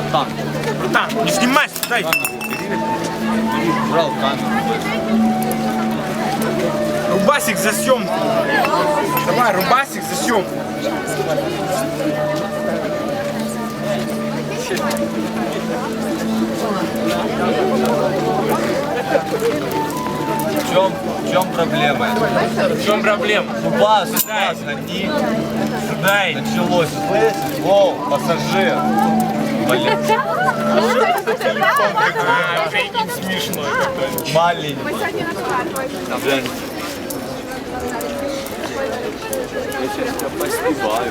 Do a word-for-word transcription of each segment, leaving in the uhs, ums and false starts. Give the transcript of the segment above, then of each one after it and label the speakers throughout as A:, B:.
A: Братан.
B: Братан, не снимайся, дай.
A: Брал камеру.
B: Рубасик за съемку. Давай, рубасик за съемку.
A: В чем, в чем проблема?
B: В чем проблема?
A: Бас, бас, гони.
B: Дай.
A: Началось. Слышишь? Воу, пассажир. Блин.
B: А, уже не смешно.
A: Маленький. Блин. Я сейчас поспеваю.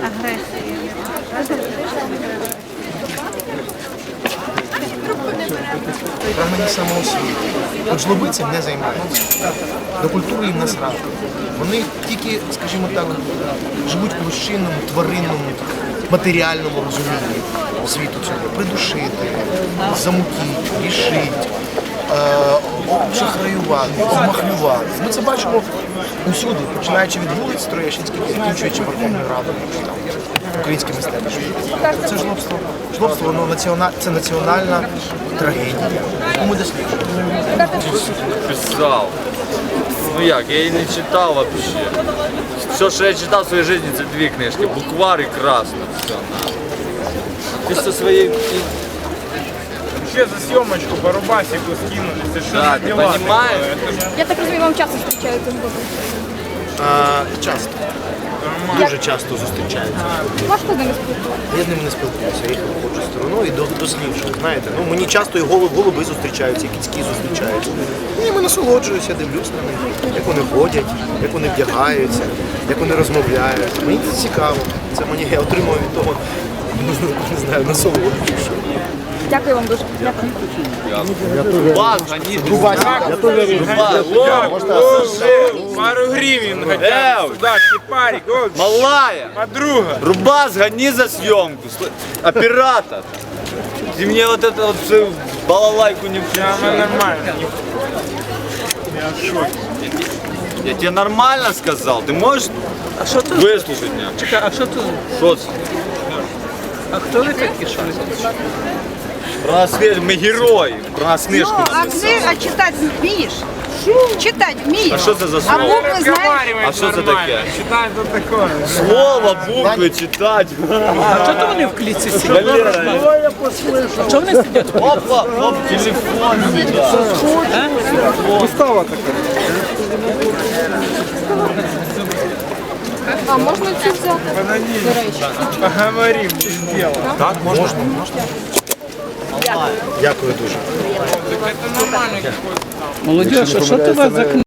C: Прагнення самоосвіти. От жлоби цим не займаються. До культури їм насрати. Вони тільки, скажімо так, живуть в площинному, тваринному, матеріальному розумінні світу цього. Придушити, замутити, рішити, шахраювати, обмахлювати. Ми це бачимо усюди, починаючи від вулиць Троєщинських, закінчуючи Верховною Радою, чи там українське мистецтво. Це жлобство. Жлобство, воно національ... це національна трагедія, яку ми досліджуємо.
A: Писал. Ну як, я її не читав вообще. Все, що я читав в своїй житті, це дві книжки. Буквар і красно. Все, на. Ти со своєю...
B: Вообще за съемочку по рубасику скинули. Совершенно
A: Да, ти
B: дела
A: понимаешь?
B: такое.
D: Я так розумію, вам часто зустрічаються з Богом.
C: А, часто. Дуже часто зустрічаються.
D: Важко з ними спілкуватися.
C: Я з ними не спілкуюся, я їх обходжу стороною і до- досліджую. Знаєте, ну мені часто і голуб, голуби зустрічаються, і кицькі зустрічаються. І ними насолоджуюся, дивлюсь на них, як вони ходять, як вони вдягаються, як вони розмовляють. Мені це цікаво. Це мені я отримую від того, не знаю, насолоду.
D: Дякую вам дуже. Дякую.
A: Бас, гони.
C: Рубасик.
A: Рубас.
B: О, пару гривен хотя
A: Эй!
B: бы сюда, кипарик. О,
A: Малая.
B: подруга.
A: Рубас, гони за съемку. Сл- Оператор. Ты мне вот это вот всю балалайку не
B: Да, она
A: включай.
B: нормально. Я в шоке.
A: Я тебе нормально сказал. Ты можешь
E: А що тут?
A: выслушать меня?
E: Чекай, а що тут?
A: Что це?
E: А хто ви такі? Що ви тут?
A: Про нас книжку, ми герої. Про нас книжку
F: Ну, а
A: написали.
F: книг, а читати вмієш? Читати вмієш?
A: А що це за
F: А
A: слово?
F: букви знаєш?
B: Разговаривает
A: А что это
B: нормально.
A: такое?
B: Читай, это такое.
A: Слово, букви читать.
E: А що то вони в клітці сидять?
A: Валера,
E: А чого вони сидять?
A: опа, оп, телефон сюда.
D: А можна цю взяти? До речі.
B: Поговорим, без дела.
C: Так, можна? Можна. Дякую дуже.
B: Это нормально какой-то.
E: Молодіж, а що то у вас за книга?